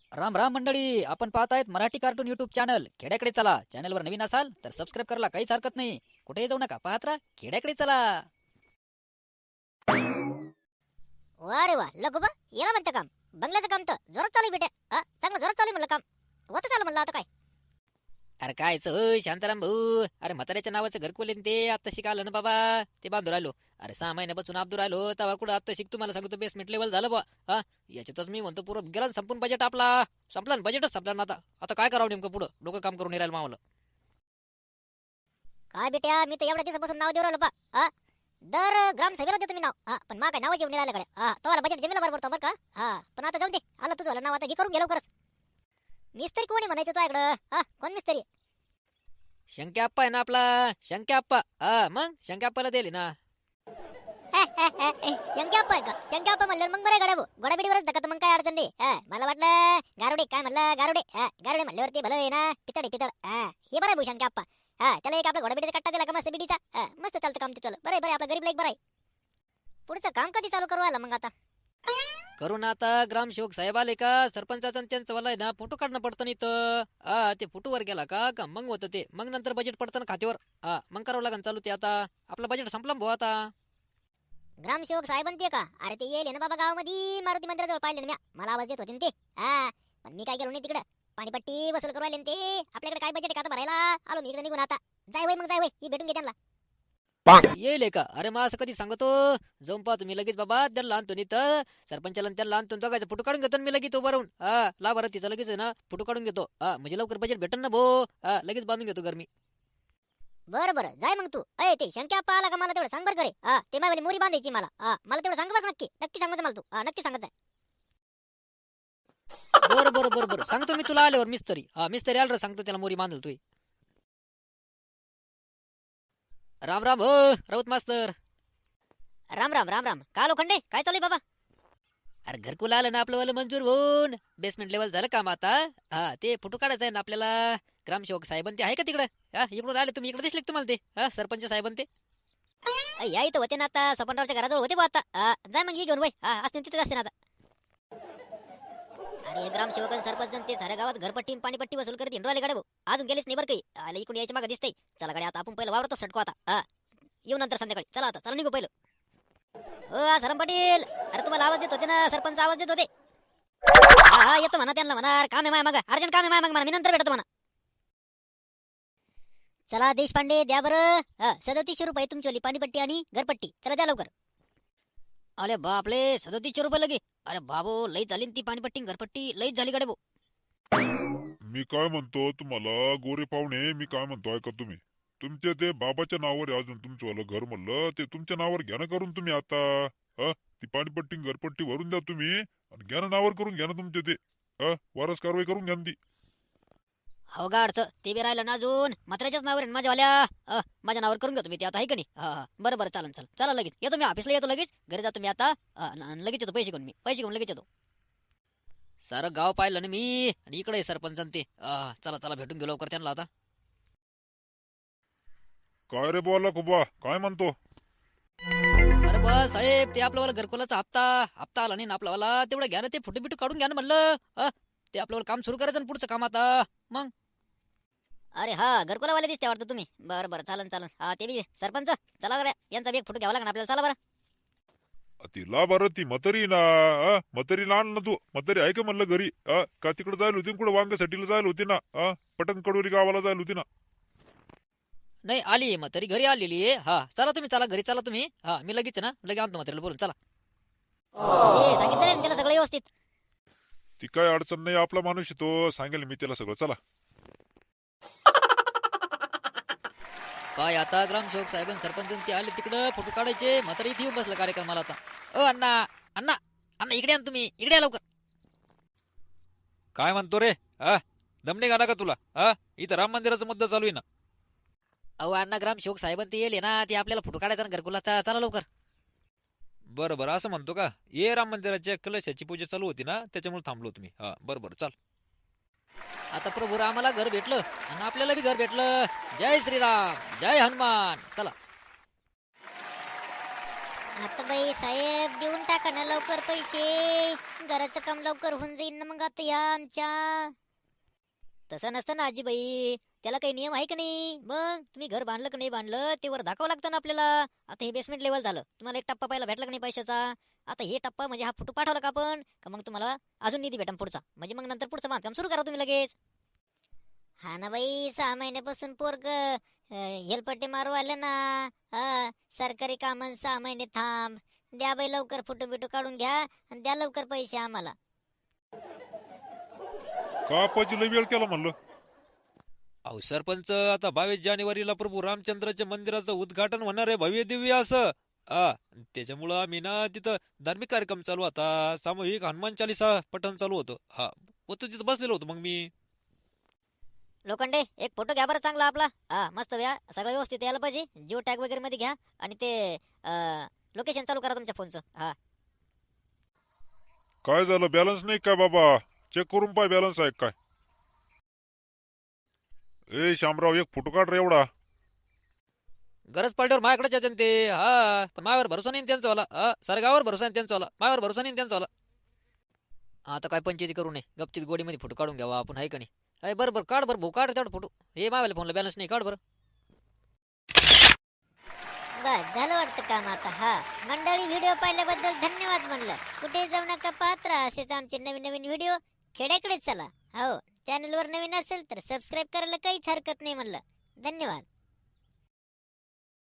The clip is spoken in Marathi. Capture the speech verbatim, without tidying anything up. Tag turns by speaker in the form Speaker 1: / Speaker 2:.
Speaker 1: राम राम मंडळी, आपण पाहत आहेत मराठी कार्टून युट्यूब चॅनल खेड्याकडे चला. चॅनलवर नवीन असाल तर सबस्क्राईब करायला काहीच हरकत नाही. कुठेही जाऊ नका, पाहत राहा खेड्याकडे चला.
Speaker 2: वा रे वा लगोबा याला म्हणतं काम. बंगल्याचं काम तर जोरात चालू आहे बेटा. हा चांगलं जोरात चालू आहे म्हणलं काम. होतं चालू म्हणलं आता काय.
Speaker 1: अरे कायच होय शांताराम भाऊ, अरे म्हाताऱ्याच्या नावाचं घरकुल आहे न ते आता शिकालं ना बाबा. ते बांधून राहिलो. अरे सहा महिन्यापासून अब्दूर राहिलो तेव्हा कुठं आता शिक तुम्हाला सांगतो बेसमेंट लेवल झालं बा. हा याच्यातच मी म्हणतो पुरं गेला संपून बजेट आपला. संपला ना बजेटच संपला ना आता. आता काय करावं नेमकं पुढं, डोकं काम करून नाही राहिलं मावलं.
Speaker 2: काय बेटा मी तर एवढ्या दिवसापासून नाव देऊ राहिलो बा. हा दर ग्रामसभेला देतो मी नाव. हा पण मा काय नाव जेवण राहिलं कडे. हा तुम्हाला बजेट जमीला बरोबर बरं का. हा पण आता जाऊ दे. आलं तुझं नाव आता घे करून गेलो खरंच. मिस्त्री कोणी म्हणायचं तो इकडं. हा कोण मिस्त्री.
Speaker 1: शंक्या आप्पा आहे ना आपला, शंक्या आप्पा. हा मग शंक्या आप्पाला दिली ना.
Speaker 2: शंक्याप्पा आहे का. शंक्याप्पा म्हणलं मग बरं गाड्या गोडाबिडीवरच धकत मग काय अडचण नाही. हा मला वाटलं गारुडे काय म्हणलं गारुडे. हा गारुडे म्हणल्यावरती भलं आहे ना पितळ पितळ. हा हे बरं आहे भू शंक्याप्पा. हा त्याला एक आपल्या घोडाबिडीचा कट्टा दिला का मस्त बिडीचा. हा मस्त चालतं काम तिथलं. बरं आहे बरं आपलं गरीब लाईक बरं आहे. पुढचं काम कधी चालू करू आला मग आता.
Speaker 1: करून आता ग्रामसेवक साहेब आले का सरपंचाचं आणि त्यांचं वाला आहे ना फोटो काढणं पडतं नाही तर. हा ते फोटो वर गेला का का मग होतं ते. मग नंतर बजेट पडतं ना खात्यावर. हा मग करावं लागेल चालू ते. आता आपलं बजेट संपलं भाऊ आता.
Speaker 2: ग्रामसेवक साहेबांती का. अरे ते येईल ना बाबा गावामध्ये मारुती मंदिराजवळ पाहिले ना म्या. मला आवाज देत होते ना ते. हा पण मी काय केलो नाही तिकडं. पाणीपट्टी वसूल करू आले ना ते. आपल्याकडे काय बजेट का आता भरायला. आलो मी इकडे निघून आता. जाय वय मग जाय वय ही भेटून घे त्यांना.
Speaker 1: येईल का. अरे मग असं कधी सांगतो. जाऊन पाहतो मी लगेच बाबा त्याला आणतो नाही तर सरपंचाला आणि त्याला आणतो दोघायचा फोटो काढून घेतो ना मी लगेच उभं राहून. हा ला बरं तिचा लगेच आहे ना फोटो काढून घेतो. हा म्हणजे लवकर बजेट भेटन ना भाऊ. हा लगेच बांधून घेतो घर मी.
Speaker 2: बरं बरं जाय मग तू. अय ते शंक्याप्पा आला का मला तेवढं सांग बरं करे. हा ते माझी मोरी बांधायची मला. हा मला तेवढं सांग बरं नक्की नक्की सांगायचं मला तू. हा नक्की सांगायचं.
Speaker 1: बरं बरं बरं बरं सांगतो मी तुला आल्यावर मिस्त्री. हा मिस्त्री आल्यावर सांगतो त्याला मोरी बांधल तू. राम राम हो राऊत मास्तर.
Speaker 2: राम राम राम राम का लोखंडे काय चालू आहे बाबा.
Speaker 1: अरे घरकुल आलं ना आपलं वालं मंजूर होऊन. बेसमेंट लेवल झालं काम आता. हा ते फोटो काढायचा आहे ना आपल्याला. ग्रामसेवक साहेबांन ते आहे का तिकडं. हा इकडून आले तुम्ही इकडे दिसले का तुम्हाला ते. हा सरपंच साहेबांन ते.
Speaker 2: अय, या इथं होते ना आता स्वपनरावच्या घराजवळ होते बा आता. हा, जाय मग ये घेऊन वय. हा असते तिथेच असते ना आता. अरे ग्रामसेवक आणि सरपंच आणि ते साऱ्या गावात घरपट्टी आणि पाणीपट्टी वसूल करत हिंडू आले गाडे भाऊ. अजून गेलेच नाही बरं काही. आले इकडून यायच्या मागे दिसतंय. चला गाडी आता आपण पहिलं वावरतच सटको आता. हा येऊ नंतर संध्याकाळी. चला आता चला निघू पहिलं. हो सरम पाटील. अरे तुम्हाला आवाज देत होते ना सरपंच आवाज देत होते. हा हा येतो म्हणा त्यांना म्हणा काम आहे माय मग अर्जंट काम आहे माय मग म्हणा मी नंतर भेटतो म्हणा. चला देशपांडे द्या बरं. हा सदतीसशे रुपये तुमची पाणीपट्टी आणि घरपट्टी. चला द्या लवकर.
Speaker 1: अरे बापले सदतीसशे रुपये लगे. अरे बाबो लई झाली न ती पाणीपट्टी घरपट्टी लईच झाली गाडे भाऊ.
Speaker 3: मी काय म्हणतो तुम्हाला गोरे पाहुणे. मी काय म्हणतो ऐका तुम्ही. तुमच्या ते बाबाच्या नावावर आहे अजून तुमचं वालं घर म्हणलं ते तुमच्या नावावर घ्या ना करून तुम्ही आता. हा ती पाणीपट्टी घरपट्टी भरून द्या तुम्ही आणि घ्या ना नावावर करून घ्या ना तुमचे ते. हा वारस कारवाई करून घ्या ना ती.
Speaker 1: हो गाडचं ते बी राहिलं ना अजून मात्राच्याच नावावर आहे ना माझ्यावाल्या. माझ्या नावावर करून घेतो मी ते आता आहे का नाही. हा हा बरं बरं चालन चाल चला लगेच येतो मी ऑफिसला येतो लगेच. घरी जातो मी आता. लगेच येतो पैसे घेऊन मी पैसे घेऊन लगेच येतो. सारं गाव पाहिलं ना मी आणि इकडे सरपंच ते. चला चला भेटून गेलो लवकर त्यांना आता.
Speaker 3: काय रे बोला खुबा काय म्हणतो.
Speaker 1: अरे बस साहेब ते आपल्यावाला घरकुलाचा हप्ता हप्ता आला नाही ना आपल्यावाला. तेवढं घ्या ना ते फोटो बिटो काढून घ्या ना म्हणलं. ते आपल्याला काम सुरू करायचं ना पुढचं काम आता. मग
Speaker 2: अरे हा घरकुलावाले दिसते वाटतं तुम्ही. बरं बरं चालन चालन. हा ते बी सरपंच चला बरं यांचा बी एक फोटो घ्यावा लागणार आपल्याला. चला बरं.
Speaker 3: तिला बरं ती मतरी ना. हा मतरी लहान ना तू. मतरी आहे का म्हणलं घरी. हा का तिकडे जायला होती कुठं वांगसाठीला जायला होती ना. हा पटन कडोरी गावाला जायला होती ना.
Speaker 1: नाही आली मग तरी घरी आलेली आहे. हा चला तुम्ही चला घरी चला तुम्ही. हा मी लगेच ना लगेच आणतो मग बोलून चला.
Speaker 2: ते सांगितलं ना त्याला सगळं व्यवस्थित.
Speaker 3: ती काय अडचण नाही आपला माणूस तो सांगेल मी त्याला सगळं. चला
Speaker 1: काय आता ग्रामसेवक साहेब सरपंच ते आले तिकडं फोटो काढायचे. म्हातारी इथे येऊन बसलं कार्यक्रमाला आता. ओ अण्णा अण्णा अण्णा इकडे आण तुम्ही. इकडे या लवकर.
Speaker 4: काय म्हणतो रे. हा दमणे गाणं का तुला. हा इथं राम मंदिराचा मुद्दा चालू आहे ना.
Speaker 1: अहो अण्णा ग्रामसेवक साहेब ते येले ना ते आपल्याला फोटो काढायचा ना घरकुलाचा. चला लवकर.
Speaker 4: बरं बरं असं म्हणतो का. ये राम मंदिराच्या कलशाची पूजा चालू होती ना त्याच्यामुळे थांबलो तुम्ही. हा बरं बरं चाल.
Speaker 1: आता प्रभू रामाला घर भेटलं आणि आपल्याला बी घर भेटलं. जय श्रीराम जय हनुमान. चला
Speaker 2: आता बाई साहेब देऊन टाका ना लवकर पैसे, घराचं काम लवकर होऊन जाईल ना मग आता या आमच्या.
Speaker 1: तसं नसतं ना आजीबाई, त्याला काही नियम आहे का नाही? मग तुम्ही घर बांधलं का नाही बांधलं ते वर दाखवावं लागतं ना आपल्याला. आता हे बेसमेंट लेवल झालं, तुम्हाला एक टप्पा पहिला भेटला का नाही पैशाचा? आता हे टप्पा म्हणजे हा फोटो पाठवला का आपण का मग तुम्हाला अजून निधी भेटा पुढचा, म्हणजे मग नंतर पुढचं बांधकाम सुरू करा तुम्ही लगेच.
Speaker 2: हा ना बाई, सहा महिन्यापासून पोरग हेलपट्टी मारू आले ना. हा, सरकारी कामं सहा महिने थांब. द्या बाई लवकर फोटो बिटो काढून घ्या आणि द्या लवकर पैसे आम्हाला.
Speaker 3: का आपाची लय वेळ केला म्हणलं.
Speaker 4: अहो सरपंच, आता बावीस जानेवारीला प्रभू रामचंद्राच्या मंदिराचं उद्घाटन होणार आहे, भव्य दिव्य असं. हा, त्याच्यामुळं आम्ही ना तिथं धार्मिक कार्यक्रम चालू होता, सामूहिक हनुमान चालिसा पठण चालू होतं. हा, होतो तिथं बसलेलो होतो मग मी.
Speaker 1: लोखंडे एक फोटो घ्या बरं चांगला आपला. हा मस्त व्या, सगळं व्यवस्थित यायला पाहिजे. जिओ टॅग वगैरे मध्ये घ्या आणि ते लोकेशन चालू करा तुमच्या फोनचं. हा
Speaker 3: काय झालं, बॅलन्स नाही काय बाबा? चेक करून पाय बॅलन्स आहे काय. ए शामराव, एक फोटो काढ रे एवढा.
Speaker 4: गरज पडल्यावर माझ्याकडेच येते ते. हा, पण माझ्यावर भरोसा नाही त्यांचा वाला. हा, सारे गावावर भरोसा नाही त्यांचा वाला, माझ्यावर भरोसा नाही त्यांचा वाला. आता काय पंचायती करू नये, गपचित गोडीमध्ये फोटो काढून घ्यावा आपण, आहे का नाही? अय बरं बरं काढ बरं भाऊ, काढ तेवढा फोटो. हे मावाले फोनला बॅलन्स नाही, काढ बरं.
Speaker 2: बस झालं वाटतं काम आता. हा मंडळी, व्हिडिओ पाहिल्याबद्दल धन्यवाद म्हणलं. कुठे जाऊ नका, पाहत राहा असेच आमचे नवीन नवीन व्हिडिओ. खेड्याकडेच चला. हो, चॅनलवर नवीन असेल तर सबस्क्राईब करायला काहीच हरकत नाही म्हणलं. धन्यवाद.